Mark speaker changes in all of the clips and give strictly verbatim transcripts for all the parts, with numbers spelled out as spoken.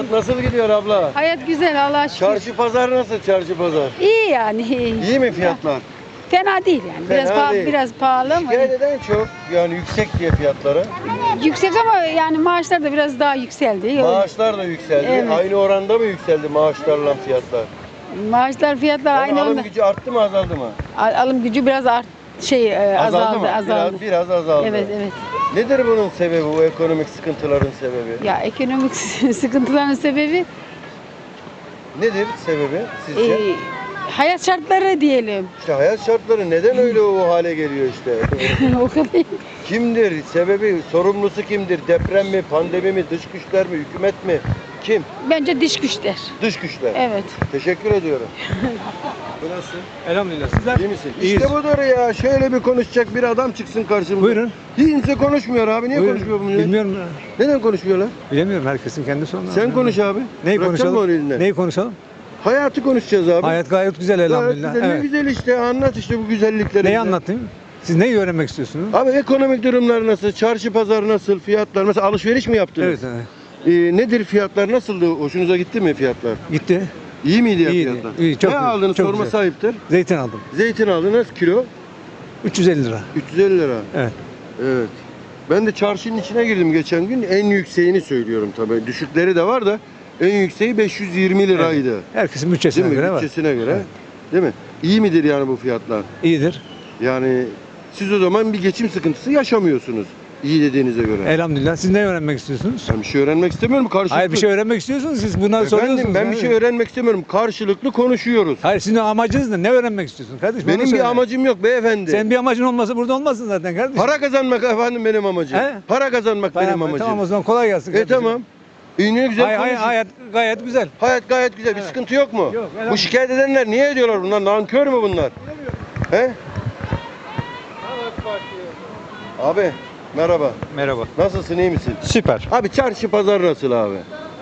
Speaker 1: Hayat nasıl gidiyor abla?
Speaker 2: Hayat güzel Allah'a şükür.
Speaker 1: Çarşı pazar nasıl çarşı pazar?
Speaker 2: İyi yani. iyi.
Speaker 1: İyi mi fiyatlar?
Speaker 2: Fena değil yani. Biraz
Speaker 1: Fena
Speaker 2: pahalı,
Speaker 1: değil.
Speaker 2: biraz pahalı ama
Speaker 1: Şikayet eden çok yani yüksek diye fiyatları.
Speaker 2: yüksek ama yani maaşlar da biraz daha yükseldi.
Speaker 1: Maaşlar da yükseldi.
Speaker 2: Evet.
Speaker 1: Aynı oranda mı yükseldi maaşlarla fiyatlar?
Speaker 2: Maaşlar fiyatlar
Speaker 1: Yani
Speaker 2: aynı
Speaker 1: alım
Speaker 2: anda.
Speaker 1: gücü arttı mı azaldı mı?
Speaker 2: Al- Alım gücü biraz art şey e, azaldı,
Speaker 1: mı?
Speaker 2: azaldı.
Speaker 1: Biraz, biraz azaldı.
Speaker 2: Evet, evet.
Speaker 1: Nedir bunun sebebi, bu ekonomik sıkıntıların sebebi?
Speaker 2: Ya ekonomik sıkıntıların sebebi
Speaker 1: Nedir sebebi sizce?
Speaker 2: e, hayat şartları diyelim.
Speaker 1: İşte hayat şartları neden öyle o hale geliyor işte?
Speaker 2: O kadar.
Speaker 1: Kimdir? Sebebi, sorumlusu kimdir? Deprem mi, pandemi mi, dış güçler mi, hükümet mi? Kim?
Speaker 2: Bence diş güçler.
Speaker 1: Dış güçler.
Speaker 2: Evet.
Speaker 1: Teşekkür ediyorum. Bu nasıl?
Speaker 3: Elhamdülillah. Sizler?
Speaker 1: İyi misin?
Speaker 3: İyiyiz.
Speaker 1: İşte budur ya. Şöyle bir konuşacak bir adam çıksın karşımıza.
Speaker 3: Buyurun.
Speaker 1: Hiç kimse konuşmuyor abi. Niye
Speaker 3: Buyurun.
Speaker 1: konuşmuyor bu millet?
Speaker 3: Bilmiyorum.
Speaker 1: Neden konuşmuyorlar?
Speaker 3: Bilemiyorum. Herkesin kendi sorunu.
Speaker 1: Sen konuş abi.
Speaker 3: Neyi
Speaker 1: Bırakacak mı onu
Speaker 3: konuşalım?
Speaker 1: elinden?
Speaker 3: Neyi konuşalım?
Speaker 1: Hayatı konuşacağız abi.
Speaker 3: Hayat gayet güzel
Speaker 1: Gayet
Speaker 3: elhamdülillah.
Speaker 1: güzel. Ne
Speaker 3: Evet.
Speaker 1: güzel işte. Anlat işte bu güzellikleri.
Speaker 3: Neyi
Speaker 1: bize.
Speaker 3: anlatayım? Siz neyi öğrenmek istiyorsunuz?
Speaker 1: Abi ekonomik durumlar nasıl? Çarşı pazar nasıl? Fiyatlar mesela alışveriş mi yaptınız?
Speaker 3: Evet, evet.
Speaker 1: Ee, nedir fiyatlar? Nasıldı? Hoşunuza gitti mi fiyatlar?
Speaker 3: Gitti.
Speaker 1: İyi miydi ya
Speaker 3: İyiydi,
Speaker 1: fiyatlar?
Speaker 3: iyi, çok
Speaker 1: ne
Speaker 3: güzel,
Speaker 1: aldınız?
Speaker 3: çok
Speaker 1: Sorma
Speaker 3: güzel.
Speaker 1: sahiptir.
Speaker 3: Zeytin aldım.
Speaker 1: Zeytin aldınız kilo
Speaker 3: üç yüz elli lira.
Speaker 1: üç yüz elli lira.
Speaker 3: Evet.
Speaker 1: Evet. Ben de çarşının içine girdim geçen gün. En yükseğini söylüyorum tabii. Düşükleri de var da en yükseği beş yüz yirmi liraydı.
Speaker 3: Herkesin
Speaker 1: Değil
Speaker 3: bütçesine
Speaker 1: mi?
Speaker 3: göre var.
Speaker 1: Bütçesine göre.
Speaker 3: Evet.
Speaker 1: Değil mi? İyi midir yani bu fiyatlar?
Speaker 3: İyidir.
Speaker 1: Yani siz o zaman bir geçim sıkıntısı yaşamıyorsunuz. İyi dediğinize göre.
Speaker 3: Elhamdülillah. Siz ne öğrenmek istiyorsunuz?
Speaker 1: Ben bir şey öğrenmek istemiyorum. Karşılıklı.
Speaker 3: Hayır, bir şey öğrenmek istiyorsunuz. Siz bunları soruyorsunuz.
Speaker 1: Efendim ben bir
Speaker 3: yani.
Speaker 1: şey öğrenmek istemiyorum. Karşılıklı konuşuyoruz.
Speaker 3: Hayır, sizin amacınız ne? Ne öğrenmek istiyorsun kardeşim? Onu
Speaker 1: Benim
Speaker 3: söyle.
Speaker 1: bir amacım yok beyefendi.
Speaker 3: Senin bir amacın olmasa burada olmazsın zaten kardeşim.
Speaker 1: Para kazanmak efendim benim amacım.
Speaker 3: He?
Speaker 1: Para kazanmak benim
Speaker 3: Tamam,
Speaker 1: amacım.
Speaker 3: tamam o zaman kolay gelsin
Speaker 1: E
Speaker 3: kardeşim.
Speaker 1: tamam. İyi ne güzel
Speaker 3: Hayır, hayır,
Speaker 1: konuşun.
Speaker 3: hayat gayet güzel.
Speaker 1: Hayat gayet güzel. Bir
Speaker 3: Evet.
Speaker 1: sıkıntı yok mu?
Speaker 3: Yok,
Speaker 1: Bu
Speaker 3: elhamdülillah.
Speaker 1: şikayet edenler niye ediyorlar bunlar? Nankör mü bunlar? He? Abi merhaba.
Speaker 4: Merhaba.
Speaker 1: Nasılsın, iyi misin?
Speaker 4: Süper.
Speaker 1: Abi çarşı pazar nasıl abi?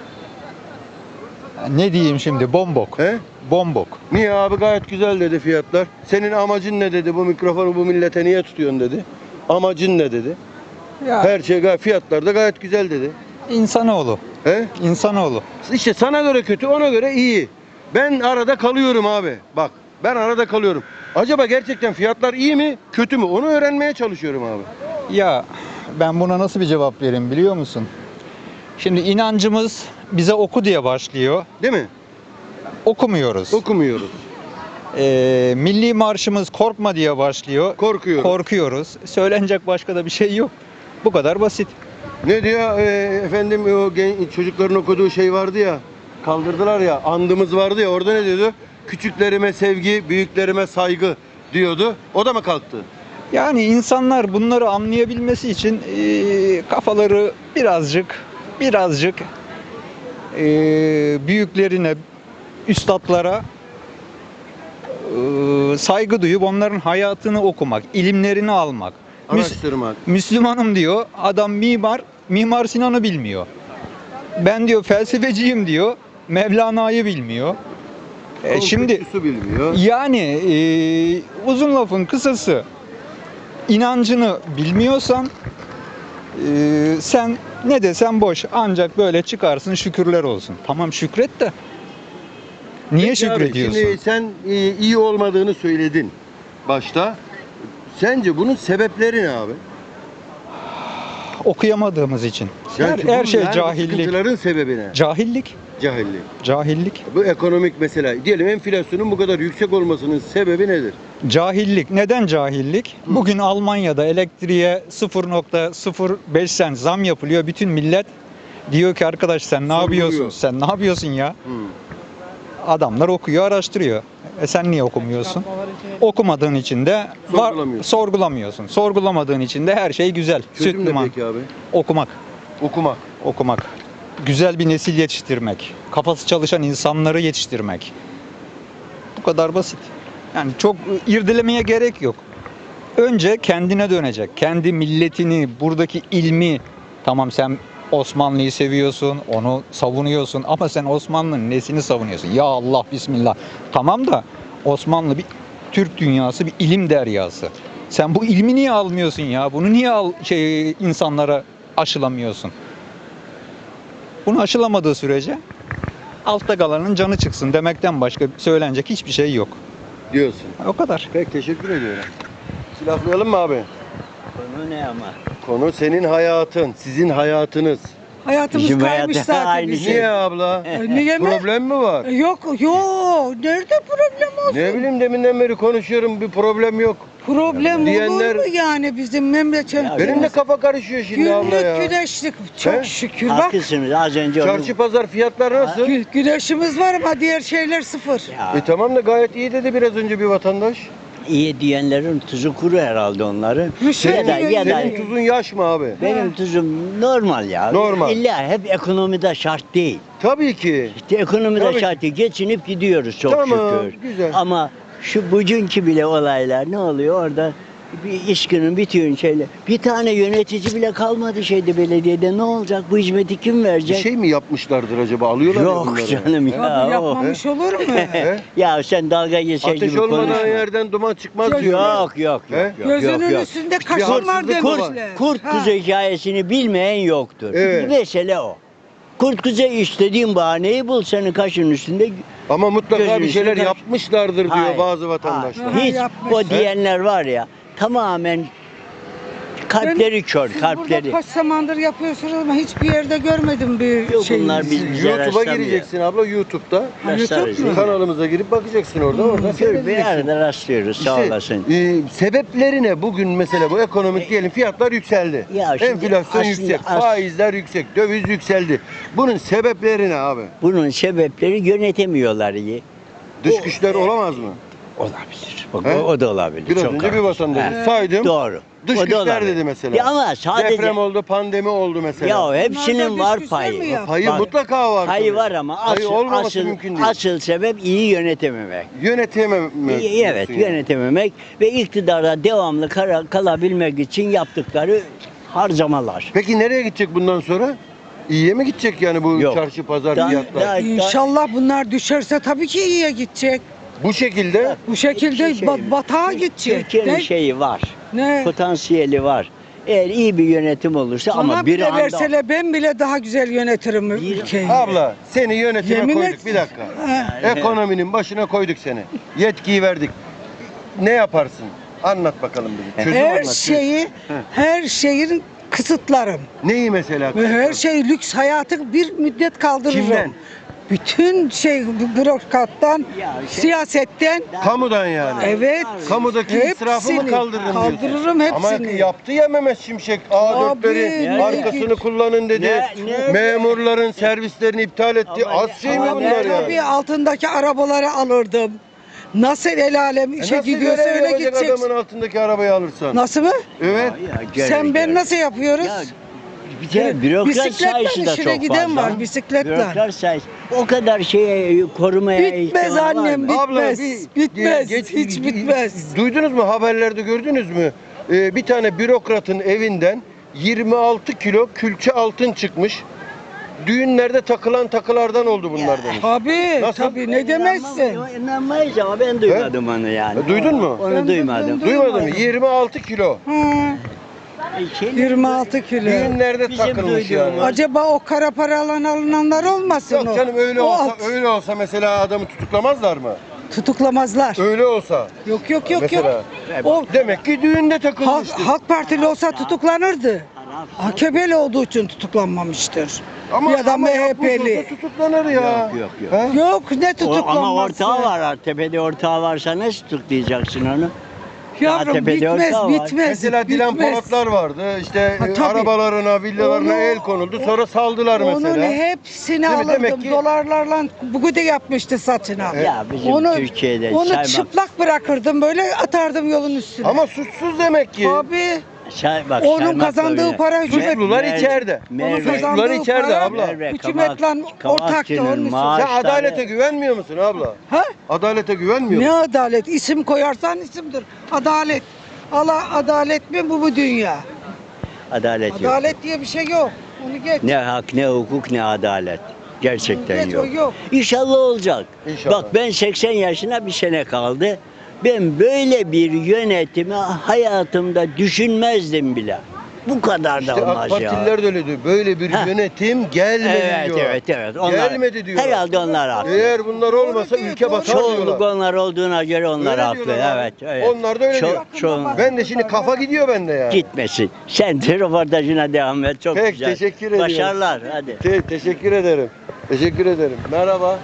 Speaker 4: Ne diyeyim şimdi? Bombok.
Speaker 1: He?
Speaker 4: Bombok.
Speaker 1: Niye abi, gayet güzel dedi fiyatlar. Senin amacın ne dedi? Bu mikrofonu bu millete niye tutuyorsun dedi. Amacın ne dedi?
Speaker 4: Ya
Speaker 1: Her şey gayet, fiyatlar da gayet güzel dedi.
Speaker 4: insanoğlu.
Speaker 1: He?
Speaker 4: İnsanoğlu.
Speaker 1: İşte sana göre kötü, ona göre iyi. Ben arada kalıyorum abi. Bak, ben arada kalıyorum. Acaba gerçekten fiyatlar iyi mi, kötü mü? Onu öğrenmeye çalışıyorum abi.
Speaker 4: Ya ben buna nasıl bir cevap vereyim biliyor musun? Şimdi inancımız bize oku diye başlıyor.
Speaker 1: Değil mi?
Speaker 4: Okumuyoruz.
Speaker 1: Okumuyoruz.
Speaker 4: Ee, milli marşımız korkma diye başlıyor.
Speaker 1: Korkuyoruz.
Speaker 4: Korkuyoruz. Söylenecek başka da bir şey yok. Bu kadar basit.
Speaker 1: Ne diyor e, efendim, o gen, çocukların okuduğu şey vardı ya. Kaldırdılar ya, andımız vardı ya, orada ne diyordu? Küçüklerime sevgi, büyüklerime saygı diyordu. O da mı kalktı?
Speaker 4: Yani insanlar bunları anlayabilmesi için eee, kafaları birazcık birazcık eee, büyüklerine, üstadlara eee, saygı duyup onların hayatını okumak, ilimlerini almak. Müs-
Speaker 1: Araştırmak.
Speaker 4: Müslümanım diyor, adam mimar, Mimar Sinan'ı bilmiyor. Ben diyor felsefeciyim diyor, Mevlana'yı bilmiyor. E, şimdi
Speaker 1: Konfüçyüs'ü bilmiyor.
Speaker 4: yani eee, uzun lafın kısası, inancını bilmiyorsan eee, sen ne desen boş, ancak böyle çıkarsın şükürler olsun. Tamam şükret de niye
Speaker 1: Peki abi,
Speaker 4: şükrediyorsun?
Speaker 1: Şimdi sen e, iyi olmadığını söyledin başta. Sence bunun sebepleri ne abi?
Speaker 4: Okuyamadığımız için. Her,
Speaker 1: Yani
Speaker 4: her
Speaker 1: bu-
Speaker 4: şey
Speaker 1: yani bu
Speaker 4: cahillik.
Speaker 1: sıkıntıların sebebi ne?
Speaker 4: Cahillik.
Speaker 1: Cahillik.
Speaker 4: Cahillik.
Speaker 1: Bu ekonomik mesela. Diyelim enflasyonun bu kadar yüksek olmasının sebebi nedir?
Speaker 4: Cahillik. Neden cahillik? Bugün Almanya'da elektriğe sıfır nokta sıfır beş sent zam yapılıyor. Bütün millet diyor ki arkadaş sen ne
Speaker 1: Sorguluyor.
Speaker 4: yapıyorsun? Sen ne yapıyorsun ya?
Speaker 1: Hı.
Speaker 4: Adamlar okuyor, araştırıyor. E sen niye okumuyorsun? Okumadığın için de var,
Speaker 1: Sorgulamıyorsun.
Speaker 4: sorgulamıyorsun. Sorgulamadığın için de her şey güzel.
Speaker 1: Çözüm
Speaker 4: Süt
Speaker 1: ne
Speaker 4: liman.
Speaker 1: peki abi?
Speaker 4: Okumak.
Speaker 1: Okumak.
Speaker 4: Okumak. Güzel bir nesil yetiştirmek. Kafası çalışan insanları yetiştirmek. Bu kadar basit. Yani çok irdelemeye gerek yok. Önce kendine dönecek. Kendi milletini, buradaki ilmi. Tamam sen Osmanlı'yı seviyorsun, onu savunuyorsun ama sen Osmanlı'nın nesini savunuyorsun? Ya Allah bismillah. Tamam da Osmanlı bir Türk dünyası, bir ilim deryası. Sen bu ilmi niye almıyorsun ya? Bunu niye al, şey insanlara aşılamıyorsun? Bunu aşılamadığı sürece altta kalanın canı çıksın demekten başka söylenecek hiçbir şey yok.
Speaker 1: Diyorsun.
Speaker 4: O kadar.
Speaker 1: Peki teşekkür ediyorum. Silahlayalım mı abi?
Speaker 5: Konu ne ama?
Speaker 1: Konu senin hayatın, sizin hayatınız.
Speaker 6: Hayatımız
Speaker 5: Bizim
Speaker 6: kaymış
Speaker 5: hayatı
Speaker 6: zaten
Speaker 5: aynı
Speaker 6: bizim.
Speaker 5: şey.
Speaker 1: Niye abla?
Speaker 6: E, Niye mi?
Speaker 1: Problem mi var?
Speaker 6: E, Yok yok. Nerede problem olsun?
Speaker 1: Ne bileyim deminden beri konuşuyorum bir problem yok.
Speaker 6: Problem
Speaker 1: Diyenler-
Speaker 6: olur mu yani bizim memleketimiz?
Speaker 1: Benim de kafa karışıyor şimdi abla
Speaker 6: Günlük
Speaker 1: ya.
Speaker 6: güneşlik. Çok
Speaker 1: He?
Speaker 6: şükür bak.
Speaker 5: Haklısınız az önce onu...
Speaker 1: Çarşı pazar fiyatlar nasıl?
Speaker 6: Gü- güneşimiz var ama diğer şeyler sıfır.
Speaker 5: Ya,
Speaker 1: E tamam da gayet iyi dedi biraz önce bir vatandaş.
Speaker 5: iyi diyenlerin tuzu kuru herhalde onları.
Speaker 6: Müşteri
Speaker 5: Ya da, ya da
Speaker 1: Senin tuzun yaş mı abi?
Speaker 5: benim tuzum normal ya.
Speaker 1: Normal.
Speaker 5: İlla hep ekonomide şart değil.
Speaker 1: Tabii ki.
Speaker 5: İşte ekonomide
Speaker 1: Tabii.
Speaker 5: şart değil. Geçinip gidiyoruz çok
Speaker 1: Tamam,
Speaker 5: şükür.
Speaker 1: güzel.
Speaker 5: Ama şu bugünkü bile olaylar ne oluyor orada? Bir iş günün bitiyor şeyle. Bir tane yönetici bile kalmadı şeyde belediyede. Ne olacak? Bu hizmeti kim
Speaker 1: Bir
Speaker 5: verecek?
Speaker 1: şey mi yapmışlardır acaba? Alıyorlar ya
Speaker 5: Yok
Speaker 1: bunları.
Speaker 5: canım ya.
Speaker 6: Abi
Speaker 5: o-
Speaker 6: yapmamış olur mu?
Speaker 1: He?
Speaker 5: Ya sen dalga geçer
Speaker 1: Ateş
Speaker 5: gibi
Speaker 1: olmadan
Speaker 5: konuşma.
Speaker 1: yerden duman çıkmaz
Speaker 6: Yok,
Speaker 1: diyorlar.
Speaker 5: Yok yok
Speaker 1: He?
Speaker 5: yok. yok,
Speaker 6: Gözünün
Speaker 5: yok, yok.
Speaker 6: üstünde kaşın var
Speaker 1: haksızlık var.
Speaker 6: demişler.
Speaker 5: Kurt
Speaker 6: Ha.
Speaker 5: kuzu hikayesini bilmeyen yoktur.
Speaker 1: Evet.
Speaker 5: Mesele o. Kurt kuzu istediğin bahaneyi bul senin kaşın üstünde.
Speaker 1: Ama mutlaka
Speaker 5: Gözünün
Speaker 1: bir şeyler
Speaker 5: üstünde-
Speaker 1: yapmışlardır diyor
Speaker 5: Hayır,
Speaker 1: bazı vatandaşlar.
Speaker 6: hayır.
Speaker 5: Hiç
Speaker 6: yapmış.
Speaker 5: o diyenler var ya tamamen kalpleri kör,
Speaker 6: Siz
Speaker 5: kalpleri.
Speaker 6: burada kaç zamandır yapıyorsunuz ama hiçbir yerde görmedim bir
Speaker 5: Yok,
Speaker 6: şey.
Speaker 5: bunlar biz- bize
Speaker 1: YouTube'a
Speaker 5: rastlamıyor.
Speaker 1: gireceksin abla YouTube'da.
Speaker 6: Ha, YouTube
Speaker 5: Rastlarız.
Speaker 6: mu?
Speaker 1: Kanalımıza girip bakacaksın orada. Orada
Speaker 5: Gör, bir
Speaker 1: seyredeceksin.
Speaker 5: arada rastlıyoruz sağ
Speaker 1: İşte,
Speaker 5: olasın.
Speaker 1: e, sebepleri ne? Bugün mesela bu ekonomik diyelim fiyatlar yükseldi.
Speaker 5: Ya şimdi
Speaker 1: Enflasyon
Speaker 5: aslında
Speaker 1: yüksek,
Speaker 5: as-
Speaker 1: faizler yüksek, döviz yükseldi. Bunun sebepleri ne abi?
Speaker 5: Bunun sebepleri yönetemiyorlar iyi.
Speaker 1: Dış
Speaker 5: O-
Speaker 1: güçler olamaz mı?
Speaker 5: Olabilir. Bak,
Speaker 1: He?
Speaker 5: o, o da olabilir.
Speaker 1: Biraz
Speaker 5: Çok
Speaker 1: önce bir
Speaker 5: haklısın.
Speaker 1: vatandaş
Speaker 5: He.
Speaker 1: saydım.
Speaker 5: Doğru.
Speaker 1: Dış
Speaker 5: O da
Speaker 1: güçler
Speaker 5: olabilir.
Speaker 1: dedi mesela.
Speaker 5: Ya ama sadece
Speaker 1: Deprem oldu, pandemi oldu mesela.
Speaker 5: ya hepsinin
Speaker 6: Bunlar da
Speaker 5: var
Speaker 6: dış güçler mi
Speaker 5: payı.
Speaker 6: yaptı?
Speaker 1: Payı
Speaker 5: Bak,
Speaker 1: mutlaka var.
Speaker 5: Payı
Speaker 1: tabii.
Speaker 5: var ama
Speaker 1: Payı
Speaker 5: asıl,
Speaker 1: olmaması
Speaker 5: asıl,
Speaker 1: mümkün değil.
Speaker 5: asıl sebep iyi yönetememek.
Speaker 1: Yönetemem.
Speaker 5: İyi, evet
Speaker 1: diyorsun yani.
Speaker 5: yönetememek ve iktidarda devamlı kara- kalabilmek için yaptıkları harcamalar.
Speaker 1: Peki nereye gidecek bundan sonra? İyiye mi gidecek yani bu
Speaker 5: Yok.
Speaker 1: çarşı pazar
Speaker 5: Daha-
Speaker 1: fiyatlar?
Speaker 5: daha-
Speaker 6: İnşallah bunlar düşerse tabii ki iyiye gidecek.
Speaker 1: Bu şekilde
Speaker 6: Bu şekilde
Speaker 5: Bir şey
Speaker 6: ba- batağa gidecek.
Speaker 5: Türkiye'nin
Speaker 6: Ne?
Speaker 5: şeyi var,
Speaker 6: Ne?
Speaker 5: potansiyeli var. Eğer iyi bir yönetim olursa
Speaker 6: Bana
Speaker 5: ama bir
Speaker 6: bile
Speaker 5: anda
Speaker 6: verseler ben bile daha güzel yönetirim
Speaker 5: Bir-
Speaker 6: ülkeyi.
Speaker 1: abla seni yönetime
Speaker 6: Yemin
Speaker 1: koyduk
Speaker 6: et.
Speaker 1: bir dakika.
Speaker 6: Ha.
Speaker 1: Ekonominin başına koyduk seni. Yetkiyi verdik. Ne yaparsın? Anlat bakalım bize. Çözüm
Speaker 6: Her
Speaker 1: anlat.
Speaker 6: şeyi, her şeyin kısıtlarım.
Speaker 1: Neyi mesela?
Speaker 6: Ve her şey lüks hayatı bir müddet kaldırırım.
Speaker 1: Kimden?
Speaker 6: Bütün şey bürokrattan,
Speaker 5: Ya şey-
Speaker 6: siyasetten,
Speaker 1: Kamudan yani.
Speaker 6: evet.
Speaker 1: Kamudaki israfı mı
Speaker 6: Hepsini
Speaker 1: kaldırırım diyorsun?
Speaker 6: kaldırırım
Speaker 1: Ama
Speaker 6: hepsini.
Speaker 1: yaptı ya Mehmet Şimşek. A dörtleri
Speaker 6: Abi,
Speaker 1: arkasını
Speaker 6: ne-
Speaker 1: kullanın dedi.
Speaker 5: Ne- ne-
Speaker 1: Memurların servislerini iptal etti.
Speaker 5: Ama
Speaker 1: Az
Speaker 5: ne-
Speaker 1: şey mi
Speaker 5: ama
Speaker 1: bunlar
Speaker 5: ne-
Speaker 1: yani?
Speaker 6: Tabii altındaki arabaları alırdım. Nasıl el alem
Speaker 1: E
Speaker 6: işe
Speaker 1: nasıl
Speaker 6: gidiyorsa
Speaker 1: görev
Speaker 6: öyle
Speaker 1: yapacak
Speaker 6: gidecek.
Speaker 1: adamın altındaki arabayı alırsan?
Speaker 6: Nasıl mı?
Speaker 1: Evet.
Speaker 5: Ya, göre-
Speaker 6: Sen ben
Speaker 5: göre.
Speaker 6: nasıl yapıyoruz?
Speaker 5: Ya, bir de bürokrat
Speaker 6: Bisikletle
Speaker 5: sayısı da
Speaker 6: işine
Speaker 5: çok
Speaker 6: giden
Speaker 5: fazla.
Speaker 6: var, bisikletle.
Speaker 5: Bürokrat sayısı. O kadar şeye korumaya
Speaker 6: Bitmez
Speaker 5: ihtimal var
Speaker 6: annem,
Speaker 5: mı?
Speaker 6: bit-
Speaker 1: Abla
Speaker 6: Bitmez, bitmez, hiç bitmez.
Speaker 1: Duydunuz mu haberlerde gördünüz mü? Ee, bir tane bürokratın evinden yirmi altı kilo külçe altın çıkmış. Düğünlerde takılan takılardan oldu bunlar demiş.
Speaker 6: Tabii,
Speaker 1: Nasıl?
Speaker 6: tabii ne demezsin.
Speaker 5: İnanmam- İnanmayız ama ben duymadım onu yani.
Speaker 1: E, duydun mu?
Speaker 5: Onu
Speaker 6: Ben de
Speaker 5: duymadım.
Speaker 6: duydum.
Speaker 1: Duymadın mı? yirmi altı kilo.
Speaker 6: Hı,
Speaker 5: Şey-
Speaker 6: yirmi altı kilo.
Speaker 1: Düğünlerde
Speaker 5: Bizim
Speaker 1: takılmış yani.
Speaker 5: duyduğumuz-
Speaker 6: Acaba o kara paralan alınanlar olmasın
Speaker 1: Yok
Speaker 6: o?
Speaker 1: canım öyle
Speaker 6: O
Speaker 1: olsa
Speaker 6: alt-
Speaker 1: öyle olsa mesela adamı tutuklamazlar mı?
Speaker 6: Tutuklamazlar.
Speaker 1: Öyle olsa.
Speaker 6: Yok yok yok
Speaker 1: Mesela.
Speaker 6: yok. O
Speaker 1: Demek ki düğünde
Speaker 6: Halk,
Speaker 1: takılmıştır.
Speaker 6: Halk Partili olsa tutuklanırdı. A K P'li olduğu için tutuklanmamıştır. ya da
Speaker 1: ama
Speaker 6: M H
Speaker 1: yapmış
Speaker 6: P'li.
Speaker 1: olsa tutuklanır ya.
Speaker 5: Yok, yok, yok.
Speaker 1: Ha?
Speaker 6: Yok ne
Speaker 5: O-
Speaker 6: tutuklanması.
Speaker 5: ama ortağı var ha. Tepede ortağı varsa nasıl tutuklayacaksın onu?
Speaker 6: Yavrum
Speaker 5: tepede
Speaker 6: bitmez
Speaker 5: ortağı var.
Speaker 6: bitmez.
Speaker 1: Mesela Dilan
Speaker 6: bitmez.
Speaker 1: Polatlar vardı. İşte
Speaker 6: Ha,
Speaker 1: e,
Speaker 6: tabii.
Speaker 1: arabalarına, villalarına
Speaker 6: Onu-
Speaker 1: el konuldu. Sonra saldılar
Speaker 6: Onun
Speaker 1: mesela.
Speaker 6: hepsini
Speaker 1: Değil mi?
Speaker 6: alırdım.
Speaker 1: Demek ki-
Speaker 6: Dolarlarla bugün de yapmıştı saçına.
Speaker 5: Ya bizim
Speaker 6: onu,
Speaker 5: Türkiye'de
Speaker 6: Onu
Speaker 5: saymak-
Speaker 6: çıplak bırakırdım böyle atardım yolun üstüne.
Speaker 1: Ama suçsuz demek ki.
Speaker 6: Abi
Speaker 5: Say, bak,
Speaker 6: onun
Speaker 5: saymakla
Speaker 6: kazandığı
Speaker 5: bile-
Speaker 6: para hükümet.
Speaker 1: Suçlular
Speaker 5: Merve-
Speaker 1: içeride.
Speaker 5: Merve-
Speaker 6: Onun kazandığı
Speaker 1: Suçlular içeride
Speaker 6: para
Speaker 1: abla.
Speaker 5: Merve
Speaker 6: hükümetle
Speaker 5: Kavak-
Speaker 6: ortaktı
Speaker 5: Kavakçı'nın
Speaker 6: onun üstüne.
Speaker 5: maaş-
Speaker 1: Sen adalete güvenmiyor musun abla?
Speaker 6: Ha?
Speaker 1: Adalete güvenmiyor
Speaker 6: Ne
Speaker 1: musun?
Speaker 6: adalet? İsim koyarsan isimdir. Adalet. Allah adalet mi bu bu dünya?
Speaker 5: Adalet yok.
Speaker 6: Adalet diye bir şey yok. Onu geç.
Speaker 5: Ne hak, ne hukuk, ne adalet. Gerçekten
Speaker 6: Geç, o
Speaker 5: yok.
Speaker 6: yok.
Speaker 5: İnşallah olacak.
Speaker 1: İnşallah.
Speaker 5: Bak ben seksen yaşına bir sene kaldı. Ben böyle bir yönetimi hayatımda düşünmezdim bile. Bu kadar da
Speaker 1: İşte AK
Speaker 5: olmaz ya.
Speaker 1: Partililer de öyle diyor. Böyle bir
Speaker 5: Heh.
Speaker 1: yönetim gelmedi
Speaker 5: Evet,
Speaker 1: diyor.
Speaker 5: evet, evet. Onlar,
Speaker 1: Gelmedi diyor.
Speaker 5: Herhalde onlar haklı.
Speaker 1: Eğer bunlar olmasa ülke batar
Speaker 5: Çoğunluk
Speaker 1: diyorlar.
Speaker 5: onlar olduğuna göre onlar
Speaker 1: Öyle
Speaker 5: haklı.
Speaker 1: diyorlar abi.
Speaker 5: Evet, evet.
Speaker 1: Onlar da öyle
Speaker 5: Ço-
Speaker 1: diyor.
Speaker 5: çoğunluk-
Speaker 1: Ben de şimdi kafa gidiyor bende ya.
Speaker 5: Gitmesin. Sen de röportajına devam et. Çok
Speaker 1: Peki,
Speaker 5: güzel.
Speaker 1: teşekkür ediyorum.
Speaker 5: Başarılar. Hadi.
Speaker 1: Te- teşekkür ederim. Teşekkür ederim. Merhaba.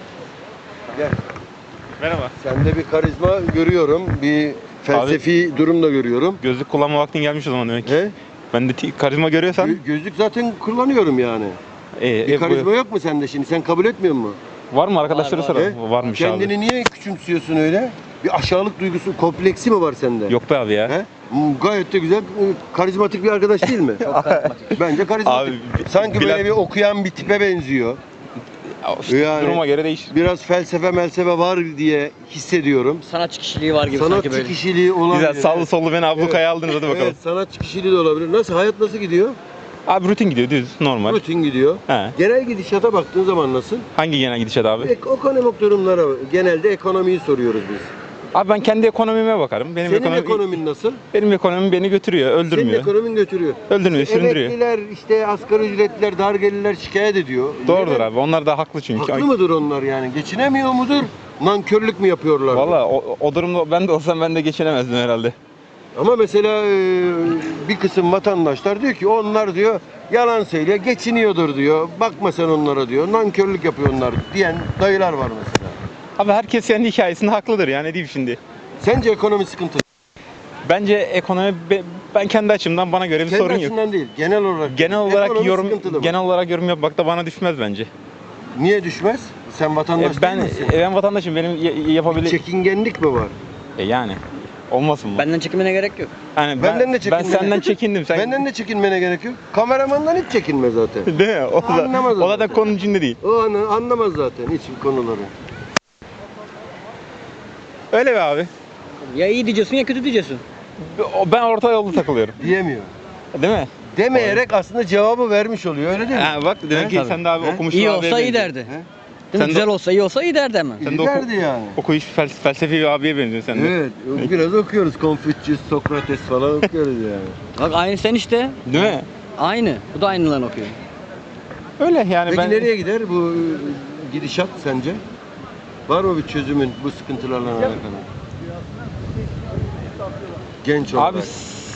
Speaker 1: Gel.
Speaker 7: Merhaba.
Speaker 1: Sende bir karizma görüyorum. Bir felsefi durum da görüyorum.
Speaker 7: Gözlük kullanma vaktin gelmiş o zaman demek ki.
Speaker 1: He?
Speaker 7: Ben de ti- karizma görüyorsan.
Speaker 1: Gö- gözlük zaten kullanıyorum yani.
Speaker 7: e,
Speaker 1: Bir
Speaker 7: e,
Speaker 1: karizma
Speaker 7: bu-
Speaker 1: yok mu sende şimdi? Sen kabul etmiyor musun?
Speaker 7: var mı arkadaşları
Speaker 5: Var,
Speaker 7: sonra?
Speaker 1: He?
Speaker 7: Varmış
Speaker 1: Kendini
Speaker 7: abi.
Speaker 1: niye küçümsüyorsun öyle? Bir aşağılık duygusu, kompleksi mi var sende?
Speaker 7: Yok be abi ya.
Speaker 1: He? Hmm, Gayet de güzel, e, karizmatik bir arkadaş değil mi? Bence karizmatik.
Speaker 7: Abi, bi-
Speaker 1: Sanki
Speaker 7: Bilal-
Speaker 1: böyle bir okuyan bir tipe benziyor.
Speaker 7: İşte
Speaker 1: Yani-
Speaker 7: duruma göre değişir.
Speaker 1: Biraz felsefe melsefe var diye hissediyorum.
Speaker 8: Sanatçı kişiliği var gibi sanki
Speaker 1: Sanatçı
Speaker 8: böyle.
Speaker 1: kişiliği olabilir.
Speaker 7: Güzel sallı sollu beni ablukaya aldınız hadi bakalım.
Speaker 1: Evet, sanatçı kişiliği de olabilir. Nasıl, hayat nasıl gidiyor?
Speaker 7: Abi rutin gidiyor düz normal.
Speaker 1: Rutin gidiyor.
Speaker 7: He.
Speaker 1: Genel gidişata baktığın zaman nasıl?
Speaker 7: Hangi genel gidişat abi?
Speaker 1: Ek- ekonomik durumlara, genelde ekonomiyi soruyoruz biz.
Speaker 7: Abi ben kendi ekonomime bakarım. Benim
Speaker 1: Senin
Speaker 7: ekonomi,
Speaker 1: ekonomin nasıl?
Speaker 7: benim ekonomim beni götürüyor,
Speaker 1: Senin
Speaker 7: öldürmüyor.
Speaker 1: ekonomin götürüyor.
Speaker 7: Öldürmüyor, süründürüyor.
Speaker 1: Emekliler, işte asgari ücretliler, dar gelirler şikayet ediyor.
Speaker 7: Doğrudur
Speaker 1: Neden?
Speaker 7: abi. Onlar da haklı çünkü.
Speaker 1: Haklı mıdır onlar yani? Geçinemiyor mudur? Nankörlük mü yapıyorlar?
Speaker 7: Valla o, o durumda ben de olsam ben de geçinemezdim herhalde.
Speaker 1: Ama mesela e, bir kısım vatandaşlar diyor ki onlar diyor yalan söylüyor, geçiniyordur diyor. Bakma sen onlara diyor. Nankörlük yapıyor onlar diyen dayılar var mesela.
Speaker 7: Abi herkes kendi hikayesinde haklıdır yani ne diyeyim şimdi.
Speaker 1: Sence ekonomi sıkıntı?
Speaker 7: Bence ekonomi be- ben kendi açımdan bana göre bir
Speaker 1: Kendi
Speaker 7: sorun yok.
Speaker 1: açısından değil, genel olarak.
Speaker 7: Genel olarak
Speaker 1: Ekonomi
Speaker 7: yorum
Speaker 1: sıkıntılı mı?
Speaker 7: genel olarak yorum yapmak da bana düşmez bence.
Speaker 1: Niye düşmez? Sen vatandaş
Speaker 7: E, ben
Speaker 1: değil misin?
Speaker 7: e, ben vatandaşım benim y- yapabilir
Speaker 1: Çekingenlik mi var?
Speaker 7: e, yani olmasın mı?
Speaker 8: Benden çekinmene gerek yok.
Speaker 7: Yani ben,
Speaker 1: Benden de
Speaker 7: ben
Speaker 1: çekinmene-
Speaker 7: senden çekindim sen.
Speaker 1: Benden de çekinmene gerek yok. Kameramandan hiç çekinme zaten.
Speaker 7: Değil mi? O da,
Speaker 1: Anlamaz
Speaker 7: o
Speaker 1: onu.
Speaker 7: da konunun içinde değil.
Speaker 1: O anı anlamaz zaten hiç konuları.
Speaker 7: Öyle be abi.
Speaker 8: Ya iyi diyeceksin ya kötü diyeceksin.
Speaker 7: O- Ben orta yolda takılıyorum.
Speaker 1: Diyemiyor.
Speaker 7: Değil mi?
Speaker 1: Demeyerek aslında cevabı vermiş oluyor öyle değil mi?
Speaker 7: Ha, bak demek
Speaker 1: He?
Speaker 7: ki
Speaker 1: Tabii.
Speaker 7: sen de abi
Speaker 1: He?
Speaker 7: okumuş
Speaker 8: İyi
Speaker 7: bir
Speaker 8: olsa
Speaker 7: abiye
Speaker 8: iyi
Speaker 7: benziyorsun.
Speaker 8: derdi.
Speaker 1: He?
Speaker 8: Değil mi?
Speaker 7: Sen de-
Speaker 8: Güzel olsa iyi olsa iyi derdi hemen.
Speaker 7: Sen de oku-
Speaker 1: İlerdi yani.
Speaker 7: Okuyuş fel- felsefi bir abiye benziyorsun sen de.
Speaker 1: Evet, biraz okuyoruz. Confucius, Sokrates falan okuyoruz yani.
Speaker 8: Bak aynı sen işte.
Speaker 7: Değil mi?
Speaker 8: Aynı. Bu da aynılarını okuyor.
Speaker 7: Öyle yani
Speaker 1: Peki
Speaker 7: ben
Speaker 1: nereye gider bu e, gidişat sence? Var mı bir çözümün bu sıkıntılarla alakalı? Genç olarak.
Speaker 7: abi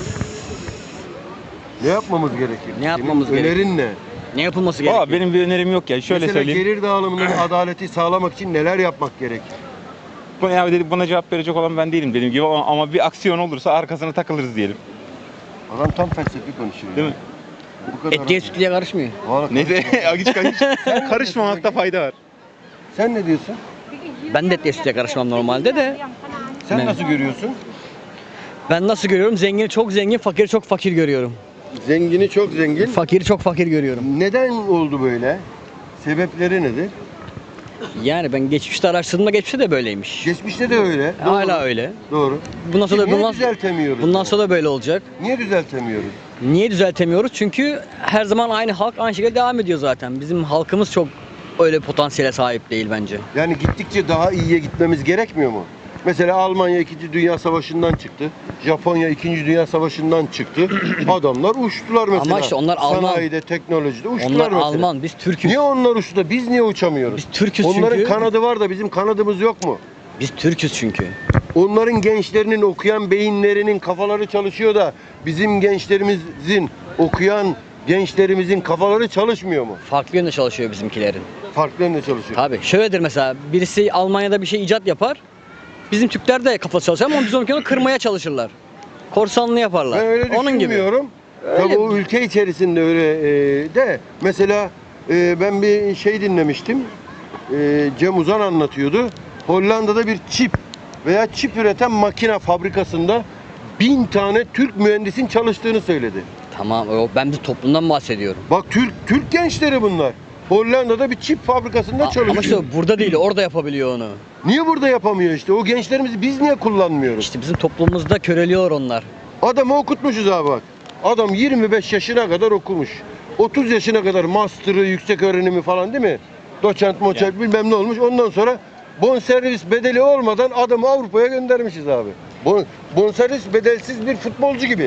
Speaker 1: ne yapmamız gerekir?
Speaker 8: Ne yapmamız
Speaker 1: Senin
Speaker 8: gerekir?
Speaker 1: önerin ne?
Speaker 8: Ne yapılması
Speaker 7: valla
Speaker 8: gerekiyor?
Speaker 7: benim bir önerim yok ya. Şöyle
Speaker 1: Mesela
Speaker 7: söyleyeyim.
Speaker 1: gelir dağılımının adaleti sağlamak için neler yapmak gerekir?
Speaker 7: Bu, yani dedi, buna cevap verecek olan ben değilim dediğim gibi ama, ama bir aksiyon olursa arkasına takılırız diyelim.
Speaker 1: Adam tam felsefi konuşuyor.
Speaker 7: Değil
Speaker 1: ya.
Speaker 7: mi?
Speaker 1: Bu kadar.
Speaker 8: Etliye sütlüye karışmıyor.
Speaker 1: Vallahi
Speaker 7: Neyse
Speaker 1: karışma.
Speaker 7: hiç karış, karışmamakta fayda var.
Speaker 1: Sen ne diyorsun?
Speaker 8: Ben de etliye sütlüye karışmam normalde de.
Speaker 1: Sen
Speaker 8: Ne?
Speaker 1: nasıl görüyorsun?
Speaker 8: Ben nasıl görüyorum? Zengini çok zengin, fakiri çok fakir görüyorum.
Speaker 1: Zengini çok zengin.
Speaker 8: Fakiri çok fakir görüyorum.
Speaker 1: Neden oldu böyle? Sebepleri nedir?
Speaker 8: Yani ben geçmişte araştırdığımda geçmişte de böyleymiş.
Speaker 1: Geçmişte de öyle.
Speaker 8: Hala
Speaker 1: Doğru.
Speaker 8: öyle.
Speaker 1: Doğru.
Speaker 8: Bundan sonra da
Speaker 1: Niye
Speaker 8: bundan,
Speaker 1: düzeltemiyoruz?
Speaker 8: bundan
Speaker 1: bunu?
Speaker 8: sonra da böyle olacak.
Speaker 1: Niye düzeltemiyoruz?
Speaker 8: Niye düzeltemiyoruz? Çünkü her zaman aynı halk aynı şekilde devam ediyor zaten. Bizim halkımız çok öyle potansiyele sahip değil bence.
Speaker 1: Yani gittikçe daha iyiye gitmemiz gerekmiyor mu? Mesela Almanya ikinci. Dünya Savaşı'ndan çıktı. Japonya ikinci. Dünya Savaşı'ndan çıktı. Adamlar uçtular mesela.
Speaker 8: Ama işte onlar Alman.
Speaker 1: Sanayide, teknolojide uçtular
Speaker 8: Onlar
Speaker 1: mesela.
Speaker 8: Alman, biz Türk'üz.
Speaker 1: Niye onlar uçtu da biz niye uçamıyoruz?
Speaker 8: Biz Türk'üz
Speaker 1: Onların
Speaker 8: çünkü.
Speaker 1: kanadı var da bizim kanadımız yok mu?
Speaker 8: Biz Türk'üz çünkü.
Speaker 1: Onların gençlerinin okuyan beyinlerinin kafaları çalışıyor da bizim gençlerimizin okuyan gençlerimizin kafaları çalışmıyor mu?
Speaker 8: Farklı yönde çalışıyor bizimkilerin.
Speaker 1: Farklı yönde çalışıyor.
Speaker 8: Tabii şöyledir mesela birisi Almanya'da bir şey icat yapar. Bizim Türkler de kafası çalışıyor ama biz onu kırmaya çalışırlar. Korsanlığı yaparlar.
Speaker 1: Ben öyle
Speaker 8: Onun gibi.
Speaker 1: düşünmüyorum. Tabii o ülke içerisinde öyle e, de mesela e, ben bir şey dinlemiştim. E, Cem Uzan anlatıyordu. Hollanda'da bir çip veya çip üreten makine fabrikasında bin tane Türk mühendisin çalıştığını söyledi.
Speaker 8: Tamam o- ben bir toplumdan bahsediyorum.
Speaker 1: Bak Türk Türk gençleri bunlar. Hollanda'da bir çip fabrikasında
Speaker 8: A-
Speaker 1: çalışıyor.
Speaker 8: Ama işte burada değil orada yapabiliyor onu.
Speaker 1: Niye burada yapamıyor işte? O gençlerimizi biz niye kullanmıyoruz?
Speaker 8: İşte bizim toplumumuzda köreliyor onlar.
Speaker 1: Adamı okutmuşuz abi bak. Adam yirmi beş yaşına kadar okumuş. otuz yaşına kadar master'ı, yüksek öğrenimi falan değil mi? Doçent, moçent bilmem ne olmuş. Ondan sonra bonservis bedeli olmadan adamı Avrupa'ya göndermişiz abi. Bon, bonservis bedelsiz bir futbolcu gibi.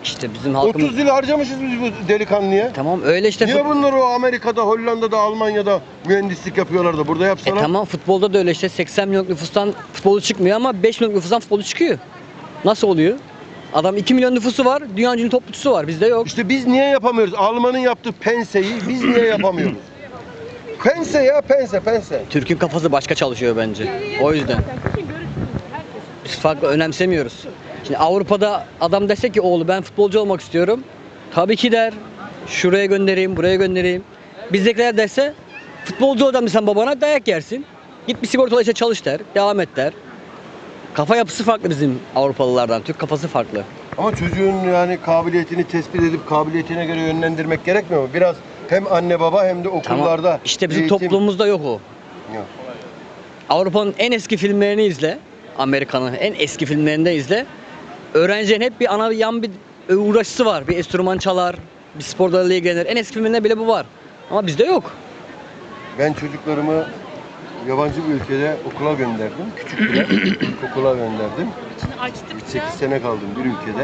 Speaker 8: İşte bizim halkımız...
Speaker 1: otuz yıl harcamışız biz bu delikanlıya.
Speaker 8: Tamam öyle işte.
Speaker 1: Niye
Speaker 8: fut-
Speaker 1: bunlar o Amerika'da, Hollanda'da, Almanya'da mühendislik yapıyorlar da burada
Speaker 8: E
Speaker 1: yapsalar?
Speaker 8: tamam futbolda da öyle işte seksen milyon nüfustan futbolu çıkmıyor ama beş milyon nüfustan futbolu çıkıyor. Nasıl oluyor? Adam iki milyon nüfusu var, dünya ünlü topçusu var. Bizde yok.
Speaker 1: İşte biz niye yapamıyoruz? Alman'ın yaptığı penseyi biz niye yapamıyoruz? Pense ya pense pense.
Speaker 8: Türk'ün kafası başka çalışıyor bence. O yüzden. Biz farklı önemsemiyoruz. Şimdi Avrupa'da adam dese ki oğlu ben futbolcu olmak istiyorum. Tabii ki der. Şuraya göndereyim, buraya göndereyim. Bizdekiler derse futbolcu ol sen babana dayak yersin. Git bir sigortalı işe çalış der. Devam et der. Kafa yapısı farklı bizim Avrupalılardan. Türk kafası farklı.
Speaker 1: Ama çocuğun yani kabiliyetini tespit edip kabiliyetine göre yönlendirmek gerekmiyor mu? Biraz hem anne baba hem de okullarda.
Speaker 8: Tamam. İşte bizim
Speaker 1: eğitim-
Speaker 8: toplumumuzda yok o.
Speaker 1: Yok.
Speaker 8: Avrupa'nın en eski filmlerini izle. Amerika'nın en eski filmlerinde izle. Öğrencinin hep bir ana yan bir uğraşısı var. Bir enstrüman çalar, bir spor dalıyla ilgilenir. En eski filmlerinde bile bu var. Ama bizde yok.
Speaker 1: Ben çocuklarımı yabancı bir ülkede okula gönderdim. Küçük bile okula gönderdim. sekiz sene kaldım bir ülkede.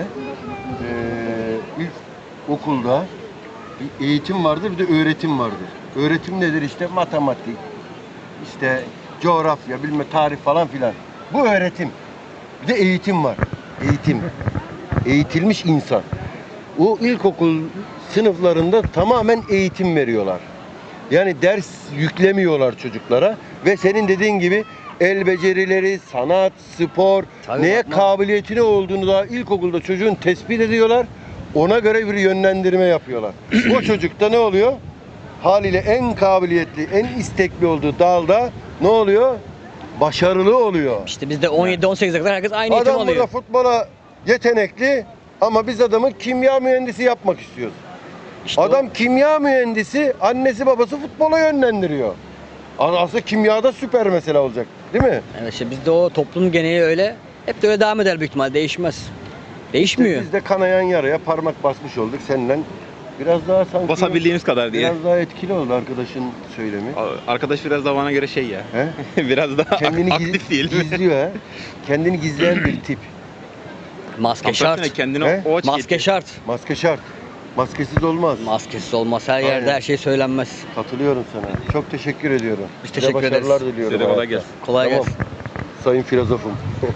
Speaker 1: Ee, ilk okulda bir eğitim vardır, bir de öğretim vardır. Öğretim nedir? İşte matematik, işte coğrafya, bilme tarih falan filan. Bu öğretim. Bir de eğitim var. Eğitim. Eğitilmiş insan. O ilkokul sınıflarında tamamen eğitim veriyorlar. Yani ders yüklemiyorlar çocuklara ve senin dediğin gibi el becerileri, sanat, spor,
Speaker 8: Tabii
Speaker 1: neye
Speaker 8: bakma.
Speaker 1: kabiliyetini olduğunu da ilkokulda çocuğun tespit ediyorlar. Ona göre bir yönlendirme yapıyorlar. O çocukta ne oluyor? Haliyle en kabiliyetli, en istekli olduğu dalda ne oluyor? Başarılı oluyor.
Speaker 8: İşte bizde on yedi on sekize kadar herkes aynı eğitim
Speaker 1: Adam burada
Speaker 8: alıyor.
Speaker 1: futbola yetenekli ama biz adamı kimya mühendisi yapmak istiyoruz.
Speaker 8: İşte
Speaker 1: Adam kimya mühendisi, annesi babası futbola yönlendiriyor. Aslında kimyada süper mesela olacak, değil mi?
Speaker 8: o. Evet işte bizde o toplum geneli öyle. Hep de öyle devam eder büyük ihtimal. Değişmez. Değişmiyor.
Speaker 1: Biz de kanayan yaraya parmak basmış olduk seninle. Biraz daha sanki
Speaker 7: Basabildiğimiz kadar diye.
Speaker 1: biraz daha etkili oldu arkadaşın söylemi.
Speaker 7: Arkadaş biraz da bana göre şey ya.
Speaker 1: He?
Speaker 7: biraz daha
Speaker 1: Kendini giz-
Speaker 7: aktif diyelim.
Speaker 1: gizliyor ha. Kendini gizleyen bir tip.
Speaker 8: Maske
Speaker 7: Tam tersine
Speaker 8: şart.
Speaker 7: kendini
Speaker 1: He?
Speaker 7: o açı
Speaker 8: Maske
Speaker 7: getiriyor.
Speaker 8: şart.
Speaker 1: Maske şart. Maskesiz olmaz.
Speaker 8: Maskesiz olmaz. Her yerde
Speaker 1: Aynen.
Speaker 8: her şey söylenmez.
Speaker 1: Katılıyorum sana. Çok teşekkür ediyorum.
Speaker 8: Biz
Speaker 1: Size
Speaker 8: teşekkür ederiz.
Speaker 1: başarılar diliyorum.
Speaker 7: Size de kolay
Speaker 1: hayatta.
Speaker 7: gelsin.
Speaker 8: Kolay
Speaker 1: Tamam.
Speaker 8: gelsin.
Speaker 1: Sayın filozofum.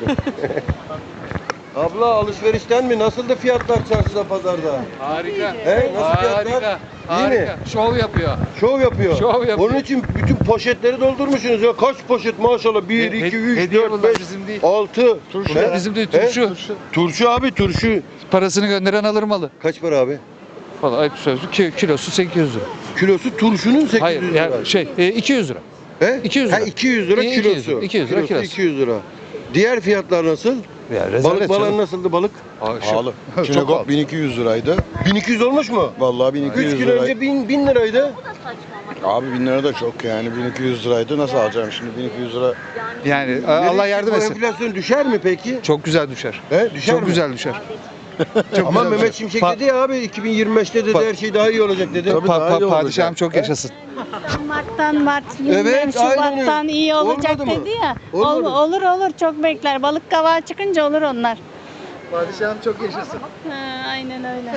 Speaker 1: Abla alışverişten mi? Nasıldı fiyatlar çarşıda, pazarda?
Speaker 9: Harika.
Speaker 1: He? Nasıl fiyatlar?
Speaker 9: Harika.
Speaker 1: İyi mi?
Speaker 9: Harika. Şov yapıyor.
Speaker 1: Şov yapıyor.
Speaker 9: Şov yapıyor.
Speaker 1: Onun için bütün poşetleri doldurmuşsunuz ya. Kaç poşet maşallah? bir,
Speaker 9: He-
Speaker 1: iki, üç,
Speaker 9: hediye
Speaker 1: dört,
Speaker 9: bunlar,
Speaker 1: beş,
Speaker 9: bizim değil.
Speaker 1: altı.
Speaker 9: Turşu.
Speaker 1: He?
Speaker 9: Bizim değil,
Speaker 1: He?
Speaker 9: turşu.
Speaker 1: Turşu abi turşu.
Speaker 9: Parasını gönderen alır malı.
Speaker 1: Kaç para abi?
Speaker 9: Valla ayıp sözlü. Ki, kilosu sekiz yüz lira.
Speaker 1: Kilosu turşunun sekiz yüz
Speaker 9: Hayır
Speaker 1: lira.
Speaker 9: yani şey e, iki yüz lira.
Speaker 1: He?
Speaker 9: iki yüz
Speaker 1: Ha,
Speaker 9: lira.
Speaker 1: iki yüz lira
Speaker 9: İyi, iki yüz
Speaker 1: kilosu.
Speaker 9: lira, iki yüz lira
Speaker 1: Kilosu
Speaker 9: kilosu.
Speaker 1: iki yüz lira. Diğer fiyatlar nasıl?
Speaker 9: Ya
Speaker 1: Balık balığı nasıldı balık?
Speaker 9: Pahalı.
Speaker 10: Çinekop bin iki yüz liraydı.
Speaker 1: bin iki yüz olmuş mu?
Speaker 10: Vallahi bin iki yüz
Speaker 1: üç gün
Speaker 10: liraydı.
Speaker 1: önce bin, bin liraydı.
Speaker 10: Abi bin lira da çok yani bin iki yüz liraydı. Nasıl alacağım şimdi bin iki yüz lira?
Speaker 9: Yani Allah
Speaker 1: Nereye
Speaker 9: yardım
Speaker 1: bu
Speaker 9: etsin.
Speaker 1: Enflasyon düşer mi peki?
Speaker 9: Çok güzel düşer.
Speaker 1: He, düşer
Speaker 9: Çok
Speaker 1: mi?
Speaker 9: güzel düşer. Çok
Speaker 1: Ama
Speaker 9: güzel
Speaker 1: Mehmet
Speaker 9: düşer.
Speaker 1: Şimşek
Speaker 9: Pa-
Speaker 1: dedi ya abi iki bin yirmi beşte dedi
Speaker 9: Pa-
Speaker 1: her şey daha iyi olacak dedi.
Speaker 9: pa-
Speaker 10: daha iyi
Speaker 9: pa-
Speaker 10: olacak.
Speaker 9: padişahım çok yaşasın.
Speaker 11: Mart'tan Mart, bilmem
Speaker 1: Evet, aynen öyle.
Speaker 11: Şubat'tan iyi olacak
Speaker 1: Olmadı mı?
Speaker 11: dedi ya.
Speaker 1: Olmadı.
Speaker 11: Ol- olur olur çok bekler. Balık kavağı çıkınca olur onlar.
Speaker 9: Padişahım çok yaşasın.
Speaker 11: Ha, aynen öyle.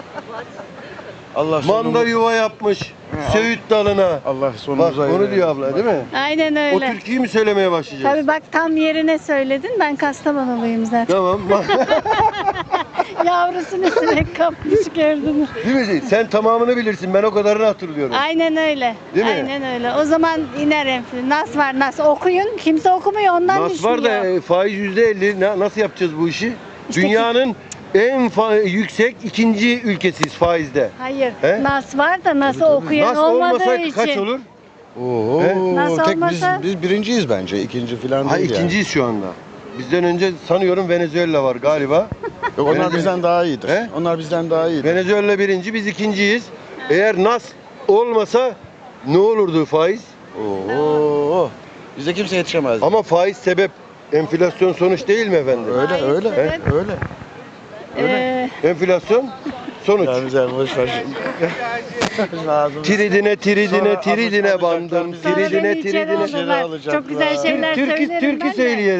Speaker 10: Allah
Speaker 1: Manda
Speaker 10: sonumuzu,
Speaker 1: yuva yapmış. Söğüt dalına.
Speaker 10: Allah
Speaker 1: Bak
Speaker 10: sonumuzu hayır
Speaker 1: onu
Speaker 10: eylesin.
Speaker 1: diyor abla değil mi?
Speaker 11: Aynen
Speaker 1: O
Speaker 11: öyle.
Speaker 1: türküyü mü söylemeye başlayacağız?
Speaker 11: Tabii bak tam yerine söyledin. Ben Kastamonuluyum zaten.
Speaker 1: Tamam.
Speaker 11: Yavrusunu sinek kapmış gördünüz.
Speaker 1: Değil mi? Sen tamamını bilirsin. Ben o kadarını hatırlıyorum.
Speaker 11: Aynen öyle.
Speaker 1: Değil mi?
Speaker 11: Aynen öyle. O zaman iner enflasyon. Nas var nas. Okuyun. Kimse okumuyor ondan
Speaker 1: Nas
Speaker 11: düşmüyor.
Speaker 1: var da e, faiz yüzde elli. Na- Nasıl yapacağız bu işi?
Speaker 11: İşte
Speaker 1: Dünyanın en fa- yüksek ikinci ülkesiyiz faizde.
Speaker 11: Hayır.
Speaker 1: He?
Speaker 11: Nas var da nasıl okuyan
Speaker 1: Nas
Speaker 11: olmadığı
Speaker 1: olmasa
Speaker 11: için.
Speaker 1: kaç olur?
Speaker 10: Oo,
Speaker 1: He?
Speaker 11: Nasıl
Speaker 10: tek biz,
Speaker 11: olmasa?
Speaker 10: biz birinciyiz bence. İkinci falan
Speaker 1: Ha
Speaker 10: değil yani.
Speaker 1: ikinciyiz şu anda. Bizden önce sanıyorum Venezuela var galiba.
Speaker 10: Yok, onlar
Speaker 1: Venezuela-
Speaker 10: bizden daha iyidir.
Speaker 1: He?
Speaker 10: Onlar bizden daha iyidir.
Speaker 1: Venezuela birinci, biz ikinciyiz. Eğer Nas olmasa ne olurdu faiz?
Speaker 10: Oo. Bize kimse yetişemez.
Speaker 1: Ama faiz sebep, enflasyon sonuç değil mi efendim?
Speaker 10: Öyle
Speaker 11: Faiz
Speaker 10: öyle.
Speaker 11: sebep.
Speaker 10: Öyle.
Speaker 11: Ee,
Speaker 1: Enflasyon sonuç.
Speaker 10: Ya güzel boş ver. Ağzımız-
Speaker 1: Tiridine tiridine
Speaker 10: Sonra
Speaker 1: tiridine
Speaker 10: alacaklar
Speaker 1: bandım.
Speaker 10: bizi.
Speaker 11: sonra
Speaker 1: Tiridine
Speaker 11: beni içeri
Speaker 1: tiridine.
Speaker 10: içeri
Speaker 11: alırlar.
Speaker 10: alacaklar.
Speaker 11: Çok güzel şeyler
Speaker 1: Türkü
Speaker 11: söylerim
Speaker 1: türkü
Speaker 11: ben de.
Speaker 1: söyleyelim.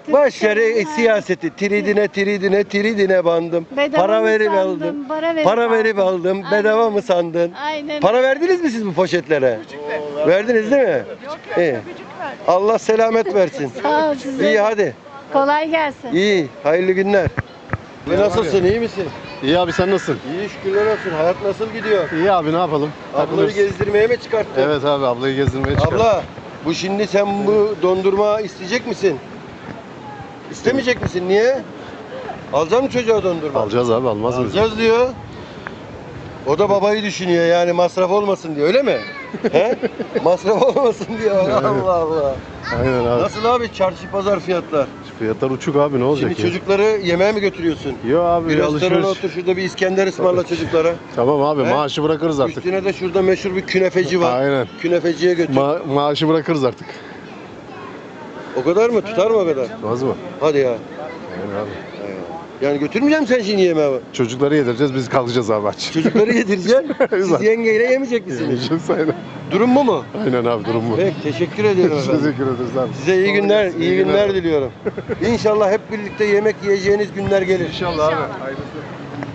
Speaker 1: Boş ver e, siyaseti. Tridine tridine tridine bandım.
Speaker 11: Bedava
Speaker 1: Para
Speaker 11: mı
Speaker 1: verip
Speaker 11: sandın,
Speaker 1: aldım.
Speaker 11: para verip
Speaker 1: Para verip
Speaker 11: aldın.
Speaker 1: aldım.
Speaker 11: Aynen.
Speaker 1: Bedava mı sandın?
Speaker 11: Aynen.
Speaker 1: Para verdiniz mi siz bu poşetlere? Verdiniz değil mi? İyi. Allah selamet versin.
Speaker 11: Sağ ol size.
Speaker 1: İyi hadi.
Speaker 11: Kolay gelsin.
Speaker 1: İyi. Hayırlı günler. Ve nasılsın? İyi misin?
Speaker 10: İyi abi sen nasılsın?
Speaker 1: İyi şükürler olsun. Hayat nasıl gidiyor?
Speaker 10: İyi abi ne yapalım?
Speaker 1: Ablayı gezdirmeye mi çıkarttın?
Speaker 10: Evet abi ablayı gezdirmeye çıkardım.
Speaker 1: Abla, bu şimdi sen bu dondurma isteyecek misin? İstemeyecek misin? Niye? Alacak mı çocuğa dondurma?
Speaker 10: Alacağız abi almaz mıyız?
Speaker 1: Alacağız diyor. O da babayı düşünüyor yani masraf olmasın diyor öyle mi? He? Masraf olmasın diyor. Allah Allah.
Speaker 10: Aynen abi.
Speaker 1: Nasıl abi çarşı pazar fiyatlar?
Speaker 10: Fiyatlar uçuk abi ne olacak
Speaker 1: Şimdi
Speaker 10: ya?
Speaker 1: çocukları yemeğe mi götürüyorsun?
Speaker 10: Yo abi
Speaker 1: Bir
Speaker 10: bir
Speaker 1: restorana
Speaker 10: alışveriş.
Speaker 1: otur şurada bir İskender ısmarla çocuklara.
Speaker 10: Tamam abi
Speaker 1: He?
Speaker 10: maaşı bırakırız artık.
Speaker 1: Üstüne de şurada meşhur bir künefeci var.
Speaker 10: Aynen.
Speaker 1: Künefeciye götür.
Speaker 10: Ma- maaşı bırakırız artık.
Speaker 1: O kadar mı? Tutar mı o kadar?
Speaker 10: Olmaz mı?
Speaker 1: Hadi ya.
Speaker 10: Aynen abi.
Speaker 1: Yani götürmeyeceğim sen şimdi yemeğe.
Speaker 10: Çocukları yedireceğiz biz kalkacağız abi aç.
Speaker 1: Çocukları yedireceksin. Siz yengeyle yemeyecek misiniz?
Speaker 10: Yiyeceğiz aynen.
Speaker 1: Durum bu mu?
Speaker 10: Aynen abi durum bu.
Speaker 1: Peki teşekkür ediyorum efendim.
Speaker 10: Teşekkür ederiz abi.
Speaker 1: Size iyi günler, iyi
Speaker 10: İyi
Speaker 1: günler
Speaker 10: günler.
Speaker 1: diliyorum. İnşallah hep birlikte yemek yiyeceğiniz günler gelir.
Speaker 10: İnşallah abi. Hayırlısı.